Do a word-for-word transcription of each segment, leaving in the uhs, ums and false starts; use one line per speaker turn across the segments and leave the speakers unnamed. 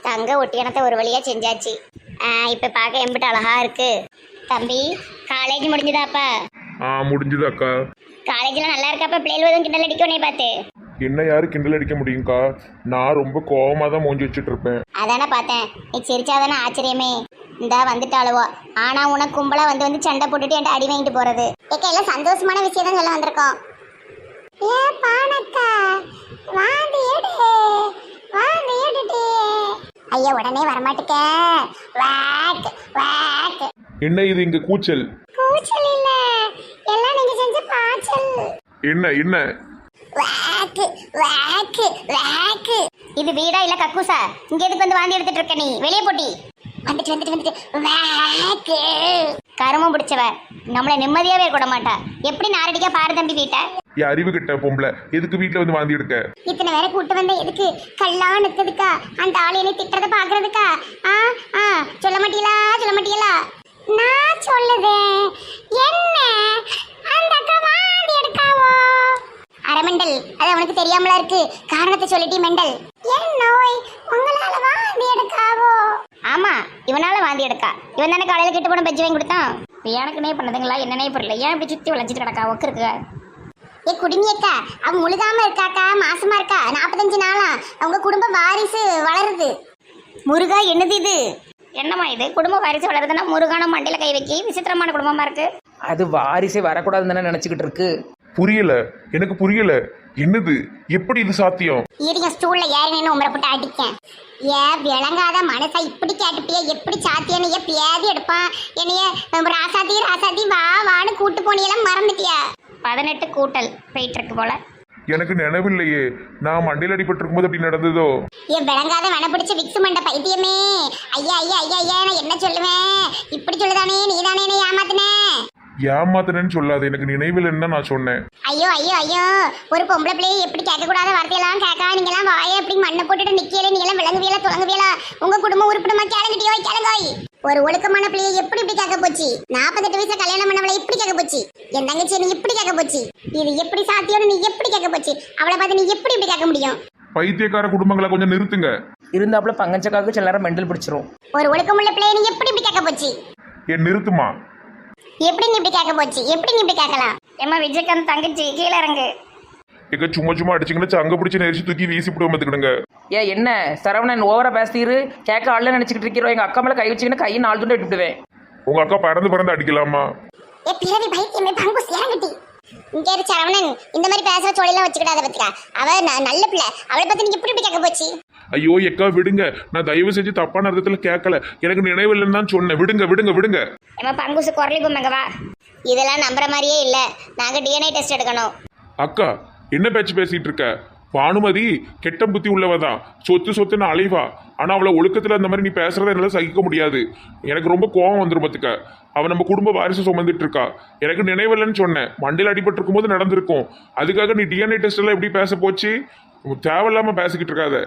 தங்க ஒட்டியானத்தை ஒரு வழியா செஞ்சாச்சு. இப்போ பார்க்க எம்பிட்டு அழகா இருக்கு. தம்பி காலேஜ் முடிஞ்சுதாப்பா?
ஆ முடிஞ்சுது அக்கா.
காலேஜில் நல்லா இருக்காப்பா? பிள்ளைகள் எதுவும் கிண்டல் அடிக்க உன்னை பார்த்து?
என்ன யாரு கிண்டல் அடிக்க முடியும்க்கா? நான் ரொம்ப கோவமாக தான் மூஞ்சி வச்சுட்டு இருப்பேன்.
அதானே பார்த்தேன், நீ சிரிச்சாதானே ஆச்சரியமே. இந்தா வந்துட்டாளுவோ. ஆனா உனக்கு கும்பலா வந்து வந்து சண்டை போட்டுட்டு என்கிட்ட அடி வாங்கிட்டு போறது. ஏக்கா எல்லாம் சந்தோஷமான விஷயம் தான் சொல்ல வந்திருக்கோம். ஏ பானக்கா வாந்தி எடு வாந்தி எடுட்டு. ஐயா உடனே வரமாட்டுக்க. Walk walk.
என்ன இது இங்க கூச்சல்?
கூச்சல் இல்ல, எல்லாம் நீங்க செஞ்ச பாச்சல்.
என்ன என்ன?
Walk walk walk. இது வீடா இல்ல கக்கூசா? இங்க எதுக்கு வந்து வாந்தி எடுத்துட்டு இருக்க நீ? வெளியே போட்டி. வந்துட்டு வந்துட்டு வந்துட்டு வாக். கருமம் பிடிச்சவ நம்மள நிம்மதியாவே கூட மாட்டா. எப்படி நாரடிக்கா பாரு தம்பி வீட்டை.
என் அறிவு கிட்ட பொம்பளை எதுக்கு வீட்டுல வந்து வாந்தி எடுக்க?
இத்தனை வேற கூட்டு வந்த எதுக்கு? கல்லா நித்ததுக்கா? அந்த ஆளு என்னை திட்டுறத பாக்குறதுக்கா? ஆ ஆ சொல்ல மாட்டீங்களா சொல்ல மாட்டீங்களா? நான் சொல்லுதேன். என்ன அந்த அக்கா வாந்தி எடுக்காவோ? அரமெண்டல் அது அவனுக்கு தெரியாமலா இருக்கு. காரணத்தை சொல்லிட்டி மெண்டல். என் நோய் உங்களால வாந்தி எடுக்காவோ? ஆமா இவனால வாந்தி எடுக்கா. இவன் தானே காலையில கிட்ட போன பஜ்ஜி வாங்கி கொடுத்தான். எனக்குனே பண்ணதுங்களா என்னன்னே புரியல. ஏன் இப்படி சுத்தி வளைச்சிட்டு கிடக்கா? ஒக்கு இருக்கு. ஏ குடுமியக்கா அவன் முழுகாம இருக்காக்கா, மாசமா இருக்கா. நாற்பத்தஞ்சு நாளா அவங்க குடும்ப வாரிசு வளருது. முருகா என்னது இது? என்னம்மா இது? குடும்ப வாரிசு வளருதுன்னா முருகான மண்டையில கை வைக்கி விசித்திரமான குடும்பமா இருக்கு.
அது வாரிசே வரக்கூடாதுன்னு தானே நினச்சிக்கிட்டு இருக்கு.
புரியல, எனக்கு புரியல. என்னது? எப்படி இது சாத்தியம்?
இருங்க ஸ்டூல்ல ஏறி நின்று உமரை போட்டு அடிக்கேன். ஏ விளங்காத மனசா இப்படி கேட்டுப்பிய எப்படி சாத்தியன்னு ஏ பியாதி எடுப்பான். என்னைய ராசாத்தி ராசாத்தி வா வான்னு கூட்டு போனியெல்லாம் மறந்துட்டியா? பதினெட்டு கூட்டல் போயிட்டு இருக்கு போல.
எனக்கு நினைவில்லையே. நான் மண்டையில் அடிபட்டு இருக்கும்போது அப்படி நடந்ததோ?
ஏன் விளங்காத வன பிடிச்ச விக்ஸ் மண்ட பைத்தியமே. ஐயா ஐயா ஐயா ஐயா நான் என்ன சொல்லுவேன்? இப்படி சொல்லுதானே நீதானே என்ன ஏமாத்தினே?
ஏமாத்தினேன்னு சொல்லாது, எனக்கு நினைவில்லைன்னு தான் நான் சொன்னேன்.
ஐயோ ஐயோ ஐயோ ஒரு பொம்பளை பிள்ளையை எப்படி கேட்கக்கூடாத வார்த்தையெல்லாம் கேட்கா? நீங்களாம் வாயை எப்படி மண்ணை போட்டுட்டு நிக்கல? நீங்களாம் விளங்குவியலா துளங்குவியலா? உங்க குடும்பம் உருப்பிடுமா? கிளங்கிட்டியோ கிளங்கோய். ஒரு ஒழுக்கமான பிள்ளையை எப்படி இப்படி கேட்க போச்சு? நாற்பத்தெட்டு வயசுல கல்யாணம் பண்ணவளை இப்படி கேட்க போச்சு? என் தங்கச்சி நீ இப்படி கேட்க போச்சு? இது எப்படி சாத்தியம்னு நீ எப்படி கேட்க போச்சு? அவளை பார்த்து நீ எப்படி இப்படி கேட்க முடியும்?
பைத்தியக்கார குடும்பங்களை கொஞ்சம் நிறுத்துங்க.
இருந்தாப்புல பங்கச்சக்காவுக்கு சில நேரம் மெண்டல் பிடிச்சிரும்.
ஒரு ஒழுக்கமுள்ள பிள்ளையை நீ எப்படி இப்படி கேட்க போச்சு?
ஏன் நிறுத்துமா?
எப்படி நீ இப்படி கேட்க போச்சு? எப்படி நீ இப்படி கேட்கலாம்? ஏமா விஜயகாந்த் தங்கச்சி கீழே இறங்கு.
எங்க சும்மா சும்மா அடிச்சுங்கன்னா சங்க பிடிச்சி நெரிச்சு தூக்கி வீசி விடுவோம் பார்த்துக்கிடுங்க.
ஏ என்ன சரவணன் ஓவரா பேசிரு. கேட்க ஆள்ல நினைச்சுக்கிட்டு இருக்கிறோம். எங்க அக்கா மேல கை வச்சுக்கின்னு கையை நாலு துண்டை விட்டுவிடுவேன்.
உங்க அக்கா பறந்து பறந்து அடிக்கலாமா?
ஏ பிறவி பைத்தியமே பங்குஸ் இறங்கட்டி. இங்கே இரு சரவணன், இந்த மாதிரி பேசுற சோழிலாம் வச்சுக்கிடாத பத்தியா. அவ நல்ல பிள்ளை, அவளை பத்தி நீங்க இப்படி இப்படி கேட்க போச்சு?
ஐயோ எக்கா விடுங்க, நான் தயவு செஞ்சு தப்பான அர்த்தத்துல கேட்கல. எனக்கு நினைவில்லைன்னு தான் சொன்னேன். விடுங்க விடுங்க விடுங்க.
ஏமா பங்குசு குரலி பொம்மைங்க வா. இதெல்லாம் நம்புற மாதிரியே இல்ல. நாங்க டிஎன்ஏ டெஸ்ட் எடுக்கணும்.
அக்கா என்ன பேச்சு பேசிட்டு இருக்க? பானுமதி கெட்ட புத்தி உள்ளவதான், சொத்து சொத்துன்னு அலைவா. ஆனா அவளை ஒழுக்கத்துல அந்த மாதிரி நீ பேசுறத என்னால சகிக்க முடியாது. எனக்கு ரொம்ப கோவம் வந்துரும் பத்துக்க. அவன் நம்ம குடும்ப வாரிசு சுமந்துட்டு இருக்கா. எனக்கு நினைவில்லைன்னு சொன்னேன். மண்டையில் அடிபட்டு இருக்கும் போது நடந்திருக்கும். அதுக்காக நீ டிஎன்ஏ டெஸ்ட் எல்லாம் எப்படி பேச போச்சு? தேவையில்லாம பேசிக்கிட்டு இருக்காத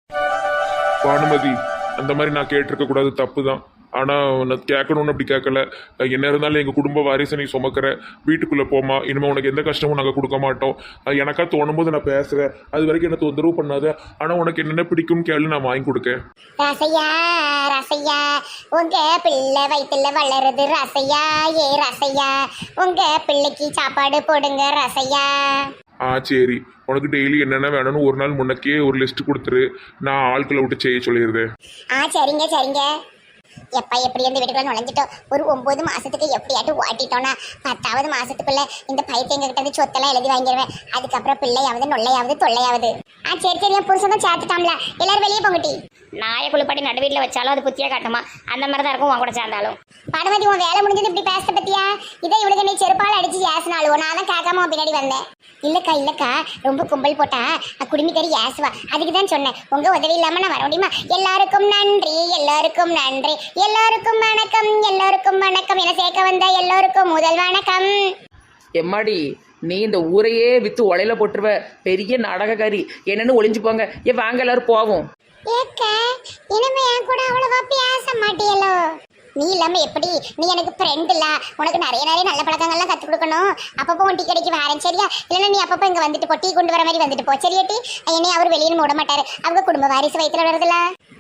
பானுமதி. அந்த மாதிரி நான் கேட்டிருக்க கூடாது, தப்பு தான். ஆனால் நான் கேட்கணும்னு அப்படி கேட்கல. என்ன இருந்தாலும் எங்கள் குடும்ப வாரிசை நீ சுமக்கிற. வீட்டுக்குள்ளே போமா, இனிமேல் உனக்கு எந்த கஷ்டமும் நாங்கள் கொடுக்க மாட்டோம். எனக்கா தோணும் போது நான் பேசுகிறேன். அது வரைக்கும் என்ன தொந்தரவு பண்ணாத. ஆனால் உனக்கு என்னென்ன பிடிக்கும் கேளு, நான் வாங்கி கொடுக்கேன்.
ரசையா ரசையா உங்க பிள்ளை வயிற்றுல வளருது ரசையா. ஏ ரசையா உங்க பிள்ளைக்கு சாப்பாடு போடுங்க ரசையா.
ஆ சரி, உனக்கு டெய்லி என்னென்ன வேணும்னு ஒரு நாள் முன்னக்கே ஒரு லிஸ்ட் கொடுத்துரு. நான் ஆட்களை விட்டு செய்ய சொல்லிடுறேன்.
ஆ சரிங்க சரிங்க. எப்பா எப்படி இந்த வீட்டுக்குள்ள நுழைஞ்சிட்டோம். ஒரு ஒன்பது மாசத்துக்கு எப்படியாட்டும் ஓட்டிட்டோம்னா பத்தாவது மாசத்துக்குள்ள இந்த பைத்தியங்க கிட்ட இருந்து சொத்தெல்லாம் எழுதி வாங்கிடுவேன். அதுக்கப்புறம் பிள்ளையாவது நொல்லையாவது தொல்லையாவது. ஆ சரி சரி, என் புருஷன் தான் சேர்த்துட்டாம்ல. எல்லாரும் வெளியே போங்கட்டி. நாயை குளிப்பாட்டி நடு வீட்டில் வச்சாலும் அது புத்தியா காட்டுமா? அந்த மாதிரி தான் இருக்கும் உன் கூட சேர்ந்தாலும். பானுமதி உன் வேலை முடிஞ்சது இப்படி பேச பத்தியா? இதை இவளுக்கு நீ செருப்பால் அடிச்சு ஏசினாலும் நான் தான் கேட்காம பின்னாடி வந்தேன். இல்லக்கா இல்லக்கா ரொம்ப கும்பல் போட்டா குடுமி கறி ஏசுவா. அதுக்கு தான் சொன்னேன், உங்க உதவி இல்லாம நான் வர முடியுமா? எல்லாருக்கும் நன்றி எல்லாருக்கும் நன்றி எல்லாருக்கும் வணக்கம் எல்லாருக்கும் வணக்கம் என சேர்க்க வந்த எல்லோருக்கும் முதல் வணக்கம்.
எம்மாடி நீ இந்த ஊரையே வித்து ஒலையில போட்டுருவ. பெரிய நாடகக்காரி. என்னன்னு ஒளிஞ்சு போங்க. ஏ வாங்க எல்லாரும் போவோம்.
ஏக்க இனிமே என் கூட அவ்வளவா பேச மாட்டியலோ? நீ இல்லாம எப்படி? நீ எனக்கு ஃப்ரெண்ட் இல்ல. உனக்கு நிறைய நிறைய நல்ல பழக்கங்கள்லாம் கற்றுக் கொடுக்கணும். அப்பப்போ உன் டீ கடைக்கு வரேன் சரியா? இல்லைன்னா நீ அப்பப்போ இங்கே வந்துட்டு போ, டீ கொண்டு வர மாதிரி வந்துட்டு போ சரியா? டீ என்னையும் அவர் வெளியே மூட மாட்டாரு. அவங்க குடும்ப வாரிசு வயிற்றுல வருதுல.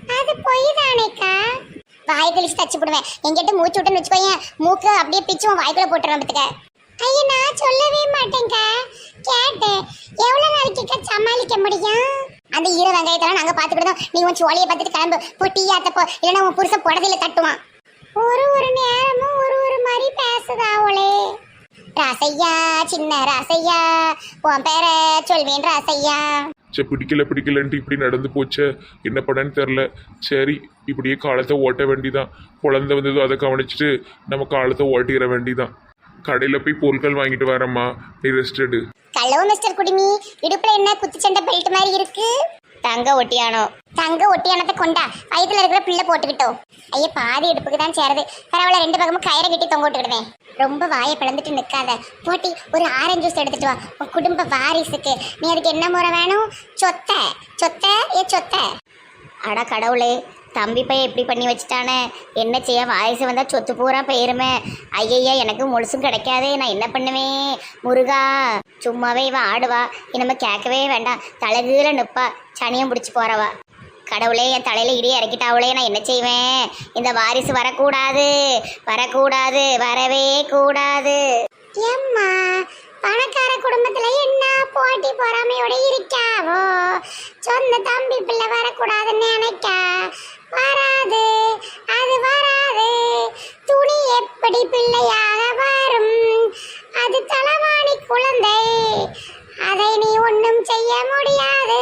அது பொய் தானேக்கா. வாய் கழிச்சு தச்சு போடுவேன். எங்கிட்ட மூச்சு விட்டுன்னு வச்சுக்கோயேன், மூக்கு அப்படியே பிச்சு உன் வாய்க்குள்ள போட்டுருவேன் பத்துக்க. ஐயா நான் சொல்லவே மாட்டேங்க. கேட்டேன் எவ்வளவு நாளைக்கு சமாளிக்க முடியும்? அந்த ஈர வெங்காயத்தெல்லாம் நாங்க பாத்துக்கிட்டோம். நீ உன் சோழியை பார்த்துட்டு கிளம்பு போ, டீ ஆத்தப்போ, இல்லைன்னா உன் புருஷன் புடவையில தட்டுவான். ஒரு ஒரு நேரமும் ஒரு ஒரு மாதிரி பேசுதா அவளே. ராசையா சின்ன ராசையா, உன் பேர சொல்வேன் ராசையா.
சே பிடிக்கல பிடிக்கலன்ட்டு இப்படி நடந்து போச்சே, என்ன பண்ணேன்னு தெரில. சரி இப்படியே காலத்தை ஓட்ட வேண்டிதான். குழந்தை வந்ததோ அதை கவனிச்சுட்டு நம்ம காலத்தை ஓட்டிக்கிற வேண்டிதான். கடையில் போய் பொருட்கள் வாங்கிட்டு வரேம்மா, நீ ரெஸ்ட் எடு.
ஹலோ மிஸ்டர் குடிமி, இடுப்புல என்ன குத்துச்சண்டை பெல்ட் மாதிரி இருக்கு? தங்க ஒட்டியானோ. தங்க ஒட்டியானத்தை கொண்டா, வயிற்றுல இருக்கிற பிள்ளை போட்டுக்கிட்டோம். ஐயா பாதி இடுப்புக்கு தான் சேருது, பரவாயில்ல ரெண்டு பக்கமும் கயிறை கட்டி தொங்க விட்டுக்கிடுவேன். ரொம்ப வாயை பிளந்துட்டு நிற்காத, போட்டி ஒரு ஆரஞ்சு ஜூஸ் எடுத்துட்டு வா உன் குடும்ப வாரிசுக்கு. நீ அதுக்கு என்ன முறை வேணும்? சொத்த சொத்த ஏ சொத்த. அட கடவுளே, தம்பி பையன் எப்படி பண்ணி வச்சுட்டானே, என்ன செய்ய? வாரிசு வந்தால் சொத்து பூரா போயிருமே. ஐயய்யா எனக்கு முழுசும் கிடைக்காதே, நான் என்ன பண்ணுவேன்? முருகா, சும்மாவே இவன் ஆடுவா, இனிமே கேட்கவே வேண்டாம். தலைகீழ நிற்பா, சனியம் பிடிச்சி போறவா. கடவுளே, என் தலையில இடியே இறக்கிட்டாவளே, நான் என்ன செய்வேன்? இந்த வாரிசு வரக்கூடாது, வரக்கூடாது, வரவே கூடாது. ஏம்மா பணக்கார குடும்பத்துல என்ன போட்டி பொறாமையோட இருக்காவோ? சொந்த தம்பி பிள்ளை வரக்கூடாதுன்னு நினைக்கா, வராது, அது வராது. துணி எப்படி பிள்ளையாக வரும்? அது தலவாணி குழந்தை, அதை நீ ஒன்றும் செய்ய முடியாது.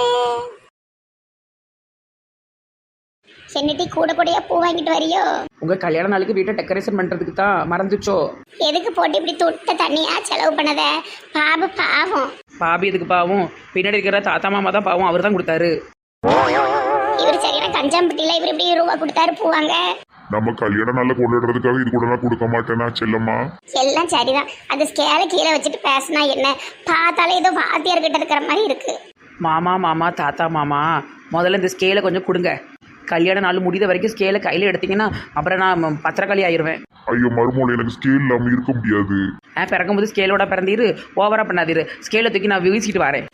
சென்னிட்டி கூட கூடயா பூ வாங்கிட்டு வரியோ?
உங்க கல்யாண நாளுக்கு வீட்டை டெக்கரேஷன் பண்றதுக்கு தான் மறந்துச்சோ?
எதுக்கு போட்டு இப்படி துட்ட தண்ணியா செலவு பண்ணத? பாபு பாவம்.
பாபி எதுக்கு பாவம்? பின்னாடி இருக்கிற தாத்தா மாமா தான் பாவம், அவர் தான் கொடுத்தாரு.
இவர் சரியான கஞ்சாம்பட்டியில இவர் இப்படி ரூபா கொடுத்தாரு பூவாங்க.
நம்ம கல்யாண நாள்ல கொண்டாடுறதுக்காக இது கூட நான் கொடுக்க மாட்டேனா செல்லம்மா?
எல்லாம் சரிதான், அந்த ஸ்கேல கீழே வச்சுட்டு பேசினா என்ன? பார்த்தாலே ஏதோ வாத்தியார் கிட்ட இருக்கிற மாதிரி இருக்கு.
மாமா மாமா தாத்தா மாமா, முதல்ல இந்த ஸ்கேலை கொஞ்சம் கொடுங்க. கல்யாண நாள் முடிந்த வரைக்கும் ஸ்கேலை கையில் எடுத்தீங்கன்னா அப்புறம் நான் பத்திரக்காளி ஆயிடுவேன்.
ஐயோ மருமோல, எனக்கு ஸ்கேல் இல்லாமல் இருக்க முடியாது.
ஆ பிறக்கும்போது ஸ்கேலோட பிறந்தீரு, ஓவரா பண்ணாதீரு. ஸ்கேலை தூக்கி நான் வீசிட்டு வரேன்.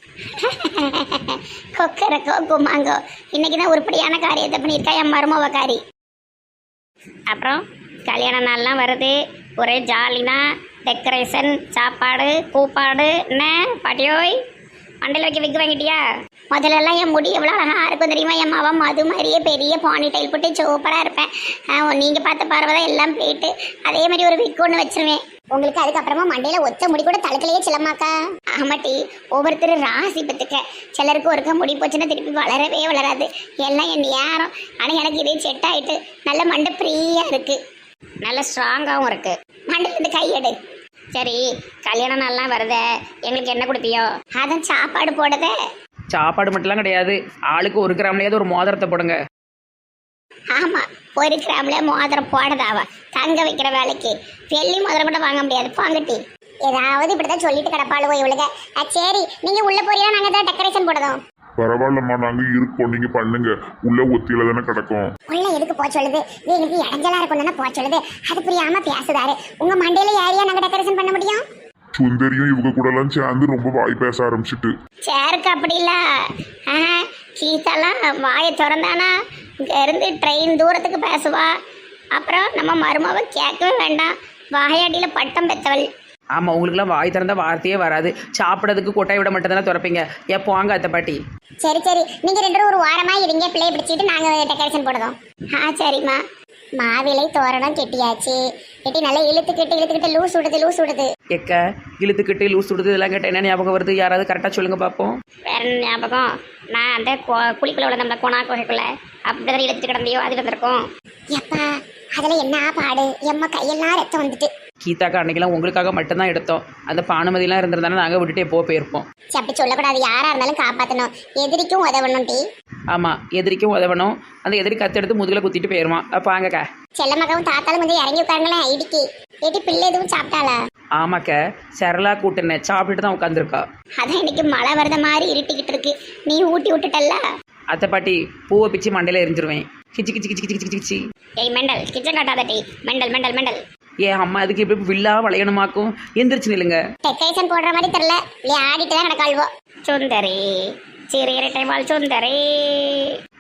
கொக்கரக்கோ குமாங்கோ, இன்னைக்கு தான் உருப்படியான காரியத்தை பண்ணியிருக்கா என் மருமவக்காரி. அப்புறம் கல்யாண நாள்லாம் வருது, ஒரே ஜாலினா டெக்கரேஷன், சாப்பாடு, கூப்பாடு. என்ன பாட்டியோய் மண்டையில் வைக்க விக்கு வாங்கிட்டியா? முதல்லலாம் என் முடி எவ்வளோ அழகாக இருக்கும் தெரியுமா? என் மாவன் மது மாதிரியே பெரிய பானி டைல் போட்டு சூப்பராக இருப்பேன். நீங்கள் பார்த்த பார்வை தான் எல்லாம் போயிட்டு அதே மாதிரி ஒரு விக்கு ஒன்று வச்சிருவேன் உங்களுக்கு. அதுக்கப்புறமா மண்டையில் ஒத்த முடி கூட தலைக்கலையே சிலமாக்கா. ஆமாட்டி, ஒவ்வொருத்தர் ராசி பத்துக்க. சிலருக்கு ஒருக்க முடி போச்சுன்னா திருப்பி வளரவே வளராது, எல்லாம் என் நேரம். ஆனால் எனக்கு இதே செட் ஆகிட்டு நல்ல மண்டை ஃப்ரீயாக இருக்குது, நல்ல ஸ்ட்ராங்காகவும் இருக்குது. மண்டையில் இருந்து கையெடு. சரி கல்யாண நாள்லாம் வருதே, எங்களுக்கு என்ன கொடுப்பியோ? அதான் சாப்பாடு போடுதே.
சாப்பாடு மட்டும்லாம் கிடையாது, ஆளுக்கு ஒரு கிராம்லையாவது ஒரு மோதிரத்தை போடுங்க.
ஆமா, ஒரு கிராம்ல மோதிரம் போடுதாவா? தங்க வைக்கிற வேலைக்கு வெள்ளி மோதிரம் கூட வாங்க முடியாது, பாங்கட்டி. ஏதாவது இப்படிதான் சொல்லிட்டு கிடப்பாளுவோ இவளுக. சரி நீங்க உள்ள போறீங்களா? நாங்க தான் டெக்கரேஷன் போடுதோம்.
பரவாயில்லம்மா, நாங்க இருக்கோம், நீங்க பண்ணுங்க. உள்ள ஒத்தியில தானே கிடக்கும்.
உள்ள எதுக்கு போக சொல்லுது? இது எனக்கு இடைஞ்சலா இருக்கும் போக சொல்லுது. அது புரியாம பேசுதாரு. உங்க மண்டையில ஏரியா நாங்க டெக்கரேஷன் பண்ண முடியும்?
சுந்தரியும் இவங்க கூட எல்லாம் சேர்ந்து ரொம்ப வாய் பேச ஆரம்பிச்சுட்டு.
சேருக்கு அப்படி இல்ல, கீதாலாம் வாயை திறந்தானா இங்க இருந்து ட்ரெயின் தூரத்துக்கு பேசுவா. அப்புறம் நம்ம மருமாவை கேட்கவே வேண்டாம், வாயாடியில பட்டம் பெற்றவள்.
ஆமாம், உங்களுக்குலாம் வாய் திறந்த வார்த்தையே வராது. சாப்பிட்றதுக்கு கொட்டாய் விட மட்டும் தானே திறப்பீங்க. எப்போ வாங்க அத்தை பாட்டி.
சரி சரி, நீங்க ரெண்டு பேரும் ஒரு வாரமா இருங்க, பிள்ளைய பிடிச்சிட்டு நாங்க டெக்கரேஷன் போடுறோம். ஆ சரிம்மா. மாவிலை தோரணம் கெட்டியாச்சு. கெட்டி நல்லா இழுத்துக்கிட்டு இழுத்துக்கிட்டு லூஸ் விடுது லூஸ் விடுது.
எக்க இழுத்துக்கிட்டு லூஸ் விடுது இதெல்லாம் கேட்டால் என்ன ஞாபகம் வருது? யாராவது கரெக்டாக சொல்லுங்க பார்ப்போம்.
வேற என்ன ஞாபகம்? நான் அந்த குளிக்குள்ள உள்ள நம்ம கோணா குகைக்குள்ள அப்படிதான் இழுத்துட்டு கிடந்தியோ அது வந்திருக்கும். எப்பா அதுல என்ன பாடு? எம்மா கையெல்லாம் ரத்தம் வந்துட்டு.
கீதாக்கா அன்னைக்கெல்லாம் உங்களுக்காக மட்டும்தான் எடுத்தோம். அந்த பானுமதியெல்லாம் இருந்திருந்தாலும் நாங்கள் விட்டுட்டு எப்போ போயிருப்போம்.
அப்படி சொல்லக்கூடாது, யாரா இருந்தாலும் காப்பாற்றணும், எதிரிக்கும் உதவணும். டீ
ஆமாம், எதிரிக்கும் உதவணும். அந்த எதிரி கத்து எடுத்து முதுகில் குத்திட்டு போயிருவான். அப்போ வாங்கக்கா.
செல்ல மகவும் தாத்தாலும் கொஞ்சம் இறங்கி உட்காருங்களேன். இடிக்கி ஏட்டி பிள்ளை எதுவும் சாப்பிட்டாளா?
ஆமாக்க, சரளா கூட்டுனேன், சாப்பிட்டுட்டு தான் உட்காந்துருக்கா.
அதான் இன்னைக்கு மழை வரத மாதிரி இருட்டிக்கிட்டு இருக்கு, நீ ஊட்டி விட்டுட்டல்ல.
அத்தை பாட்டி பூவை பிச்சு மண்டையில் எரிஞ்சிருவேன். கிச்சி கிச்சி கிச்சி கிச்சி கிச்சி கிச்சி.
ஏய் மெண்டல், கிச்சன் காட்டாத டீ. Mental mental mental.
ஏன் அம்மா அதுக்கு இப்படி வில்லா வளையணுமாக்கும்? எந்திரிச்சு நில்லுங்க.
டெக்கரேஷன் போடுற மாதிரி தெரியல, இல்லையா ஆடிட்டு தான் கிடக்காள்வோ. சுந்தரி சிறு இரட்டை வாழ் சுந்தரி.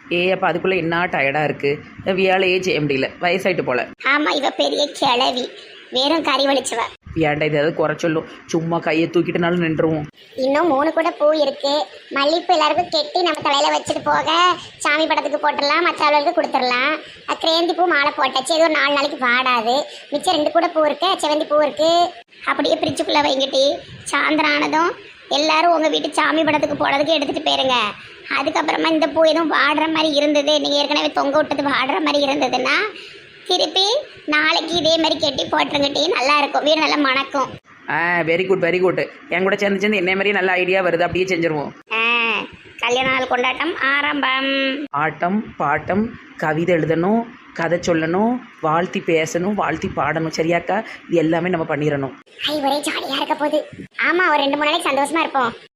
ஏ அப்போ அதுக்குள்ளே என்ன டயர்டாக இருக்குது வேலையே செய்ய முடியல வயசாயிட்டு போல.
ஆமா இவ பெரிய கிழவி, வெறும் கறி வலிச்சுவ.
ஏன்டா இது ஏதாவது குறை சொல்லும், சும்மா கையை தூக்கிட்டுனாலும் நின்றுவோம்.
இன்னும் மூணு கூட பூ இருக்கு. மல்லிப்பூ எல்லாருக்கும் கெட்டி நம்ம தலையில வச்சுட்டு போக சாமி படத்துக்கு போட்டுடலாம், மற்ற ஆளுகளுக்கு கொடுத்துடலாம். கிரேந்தி பூ மாலை போட்டாச்சு, ஏதோ ஒரு நாலு நாளைக்கு வாடாது. மிச்சம் ரெண்டு கூட பூ இருக்கு, செவந்தி பூ இருக்கு. அப்படியே பிரிச்சுக்குள்ள வைங்கிட்டி. சாயந்தரம் ஆனதும் எல்லாரும் உங்க வீட்டு சாமி படத்துக்கு போடுறதுக்கு எடுத்துட்டு போயிருங்க. அதுக்கப்புறமா இந்த பூ எதுவும் வாடுற மாதிரி இருந்தது, நீங்க ஏற்கனவே தொங்க விட்டது வாடுற மாதிரி இருந்ததுன்னா திருப்பி நாளைக்கு இதே மாதிரி கெட்டி போட்டுருங்கட்டி, நல்லா இருக்கும், வீடு நல்லா மணக்கும்.
ஆ வெரி குட் வெரி குட். என் கூட சேர்ந்து சேர்ந்து என்ன மாதிரி நல்ல ஐடியா வருது, அப்படியே செஞ்சுருவோம்.
ஆ, கல்யாண நாள் கொண்டாட்டம் ஆரம்பம்.
ஆட்டம் பாட்டம், கவிதை எழுதணும், கதை சொல்லணும், வாழ்த்தி பேசணும், வாழ்த்தி பாடணும். சரியாக்கா? இது எல்லாமே நம்ம பண்ணிடணும்.
ஐ ஒரே ஜாலியா இருக்க போகுது. ஆமா, ஒரு ரெண்டு மூணு நாளைக்கு சந்தோஷமா இருப்போம்.